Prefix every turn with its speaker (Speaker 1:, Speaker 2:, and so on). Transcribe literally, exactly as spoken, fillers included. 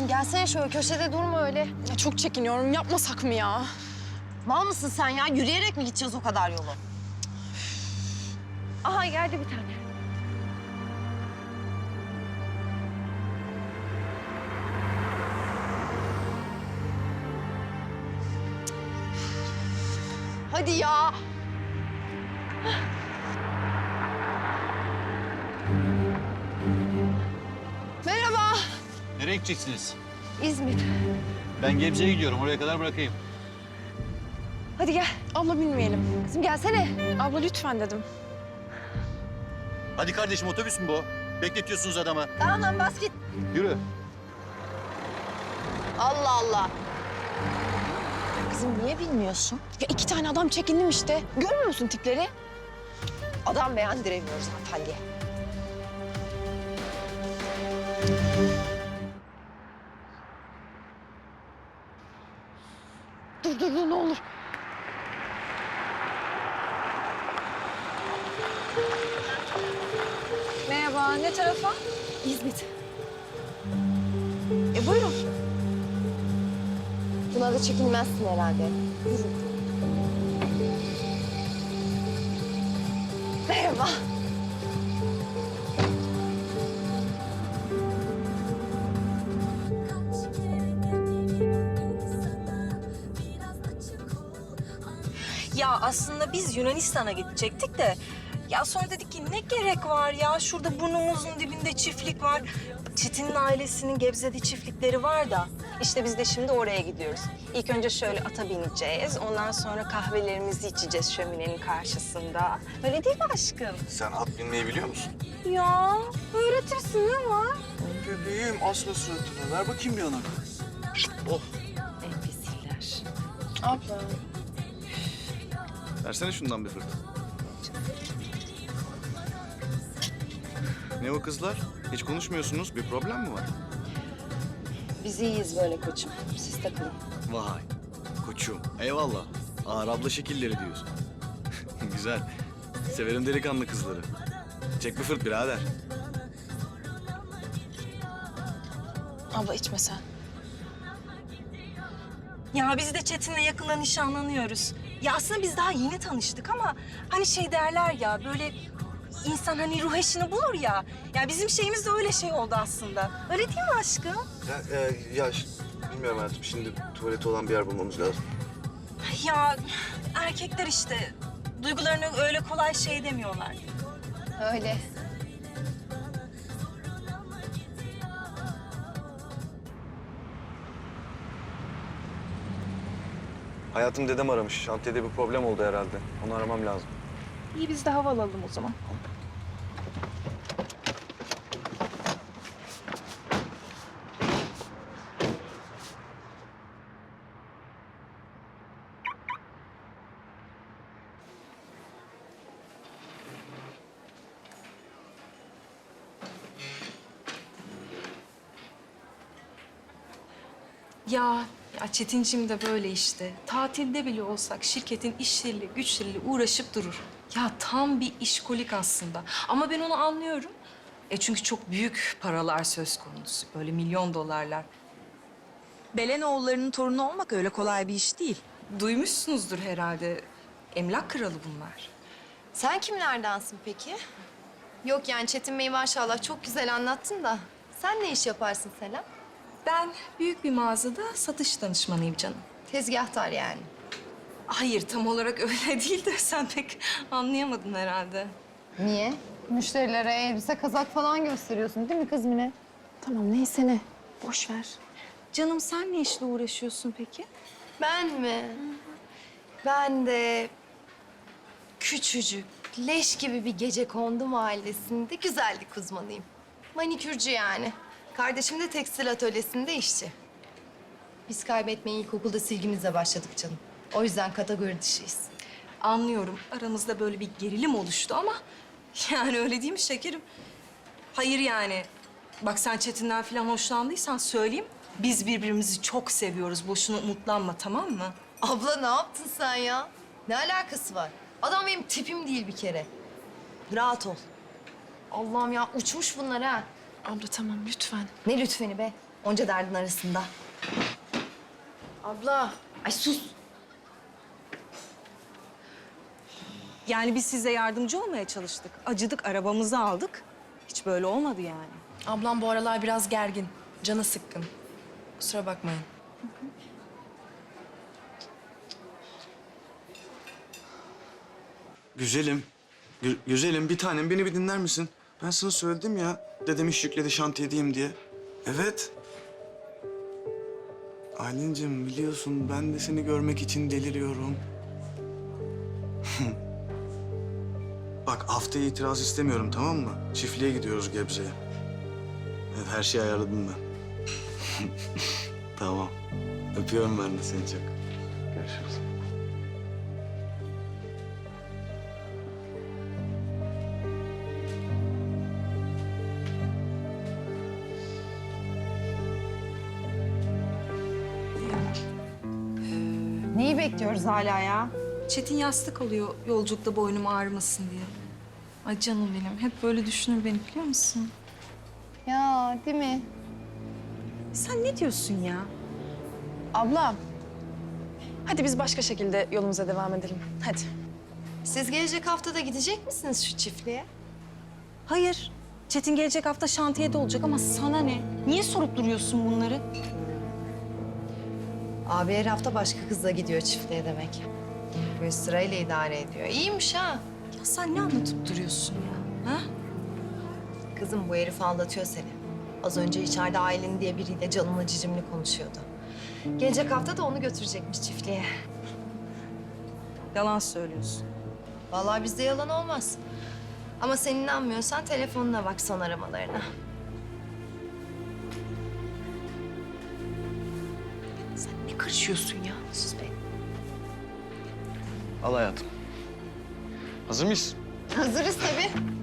Speaker 1: Kızım gelsene şöyle köşede durma öyle.
Speaker 2: Ya çok çekiniyorum. Yapmasak mı ya?
Speaker 1: Mal mısın sen ya? Yürüyerek mi gideceğiz o kadar yolu? Aha geldi bir tane. Hadi ya. Merhaba.
Speaker 3: Nereye gideceksiniz?
Speaker 1: İzmir.
Speaker 3: Ben Gebze'ye gidiyorum. Oraya kadar bırakayım.
Speaker 1: Hadi gel.
Speaker 2: Abla bilmeyelim.
Speaker 1: Kızım gelsene.
Speaker 2: Abla lütfen dedim.
Speaker 3: Hadi kardeşim, otobüs mü bu? Bekletiyorsunuz adamı.
Speaker 1: Tamam lan bas git.
Speaker 3: Yürü.
Speaker 1: Allah Allah. Kızım niye bilmiyorsun?
Speaker 2: Ya iki tane adam çekindim işte. Görmüyor musun tipleri?
Speaker 1: Adam beğendiremiyoruz hanımefendiye.
Speaker 2: Dur dur dur ne olur. Merhaba, ne tarafa?
Speaker 1: İzmit.
Speaker 2: E buyurun.
Speaker 1: Buna da çekinmezsin herhalde. Yürü. Merhaba.
Speaker 4: Ya aslında biz Yunanistan'a gidecektik de... Ya sonra dedik ki ne gerek var ya? Şurada burnumuzun dibinde çiftlik var. Çetin'in ailesinin Gebze'de çiftlikleri var da. İşte biz de şimdi oraya gidiyoruz. İlk önce şöyle ata bineceğiz. Ondan sonra kahvelerimizi içeceğiz şöminenin karşısında. Öyle değil mi aşkım?
Speaker 5: Sen at binmeyi biliyor musun?
Speaker 4: Ya öğretirsin ama.
Speaker 5: Bebeğim asma suratını. Ver bakayım bir yanak. Oh.
Speaker 4: Enfesiller.
Speaker 2: Abla.
Speaker 5: Versene şundan bir fırt. Ne o kızlar? Hiç konuşmuyorsunuz. Bir problem mi var?
Speaker 1: Biz iyiyiz böyle koçum. Siz takılın.
Speaker 5: Vay. Koçum. Eyvallah. Ağır abla şekilleri diyorsun. Güzel. Severim delikanlı kızları. Çek bir fırt birader.
Speaker 2: Abla içme sen.
Speaker 4: Ya biz de Çetin'le yakında nişanlanıyoruz. Ya aslında biz daha yeni tanıştık ama hani şey derler ya böyle insan hani ruh eşini bulur ya. Ya bizim şeyimiz de öyle şey oldu aslında. Öyle değil mi aşkım?
Speaker 6: Ya, e, ya ş- bilmiyorum hayatım. Şimdi tuvaleti olan bir yer bulmamız lazım.
Speaker 4: Ya erkekler işte duygularını öyle kolay şey demiyorlar.
Speaker 1: Öyle.
Speaker 6: Hayatım dedem aramış. Şantiyede bir problem oldu herhalde. Onu aramam lazım.
Speaker 2: İyi biz de hava alalım o zaman.
Speaker 4: Ya, ya Çetinciğim de böyle işte. Tatilde bile olsak şirketin işleriyle, güçleriyle uğraşıp durur. Ya tam bir işkolik aslında. Ama ben onu anlıyorum. E çünkü çok büyük paralar söz konusu. Böyle milyon dolarlar.
Speaker 7: Belenoğullarının torunu olmak öyle kolay bir iş değil.
Speaker 4: Duymuşsunuzdur herhalde. Emlak kralı bunlar.
Speaker 1: Sen kimlerdensin peki? Yok yani Çetin Bey maşallah çok güzel anlattın da. Sen ne iş yaparsın Selam?
Speaker 4: Ben büyük bir mağazada satış danışmanıyım canım.
Speaker 1: Tezgahtar yani.
Speaker 4: Hayır, tam olarak öyle değil de sen pek anlayamadın herhalde.
Speaker 8: Niye? Müşterilere elbise, kazak falan gösteriyorsun değil mi kız Mine?
Speaker 2: Tamam neyse ne. Boş ver.
Speaker 4: Canım sen ne işle uğraşıyorsun peki?
Speaker 1: Ben mi? Ben de küçücük, leş gibi bir gecekondu mahallesinde güzellik uzmanıyım. Manikürcü yani. Kardeşim de tekstil atölyesinde işçi. Biz kaybetmeye ilkokulda silgimizle başladık canım. O yüzden kategori dışıyız.
Speaker 4: Anlıyorum. Aramızda böyle bir gerilim oluştu ama... Yani öyle değil mi şekerim? Hayır yani. Bak sen Çetin'den falan hoşlandıysan söyleyeyim. Biz birbirimizi çok seviyoruz. Boşuna umutlanma, tamam mı?
Speaker 1: Abla ne yaptın sen ya? Ne alakası var? Adam benim tipim değil bir kere. Rahat ol. Allah'ım ya uçmuş bunlar ha.
Speaker 2: Abla tamam lütfen.
Speaker 1: Ne lütfeni be? Onca derdin arasında.
Speaker 2: Abla.
Speaker 1: Ay sus.
Speaker 4: Yani biz size yardımcı olmaya çalıştık. Acıdık, arabamızı aldık. Hiç böyle olmadı yani.
Speaker 2: Ablam bu aralar biraz gergin. Canı sıkkın. Kusura bakmayın.
Speaker 5: Güzelim. Gü- güzelim bir tanem beni bir dinler misin? Ben sana söyledim ya. Dedem iş yükledi şantiyedeyim diye. Evet. Aylin'cim biliyorsun ben de seni görmek için deliriyorum. Bak haftaya itiraz istemiyorum tamam mı? Çiftliğe gidiyoruz Gebze'ye. Evet her şeyi ayarladım ben. Tamam. Öpüyorum ben de seni çok. Görüşürüz.
Speaker 8: Neyi bekliyoruz hala ya?
Speaker 4: Çetin yastık alıyor yolculukta boynum ağrımasın diye. Ay canım benim. Hep böyle düşünür beni biliyor musun?
Speaker 8: Ya değil mi?
Speaker 4: Sen ne diyorsun ya?
Speaker 2: Abla. Hadi biz başka şekilde yolumuza devam edelim. Hadi.
Speaker 1: Siz gelecek hafta da gidecek misiniz şu çiftliğe?
Speaker 4: Hayır. Çetin gelecek hafta şantiyede olacak ama sana ne? Niye sorup duruyorsun bunları?
Speaker 1: Abi her hafta başka kızla gidiyor çiftliğe demek. Böyle sırayla idare ediyor. İyiymiş ha.
Speaker 4: Ya sen ne anlatıp duruyorsun ya? Ha?
Speaker 1: Kızım bu herif aldatıyor seni. Az önce içeride Aylin diye biriyle canımla cicimli konuşuyordu. Gelecek hafta da onu götürecekmiş çiftliğe.
Speaker 4: Yalan söylüyorsun.
Speaker 1: Vallahi bizde yalan olmaz. Ama sen inanmıyorsan telefonuna bak son aramalarına.
Speaker 4: Sen ne karışıyorsun ya?
Speaker 1: Sus be.
Speaker 5: Al hayatım. Hazır mıyız?
Speaker 8: Hazırız tabii.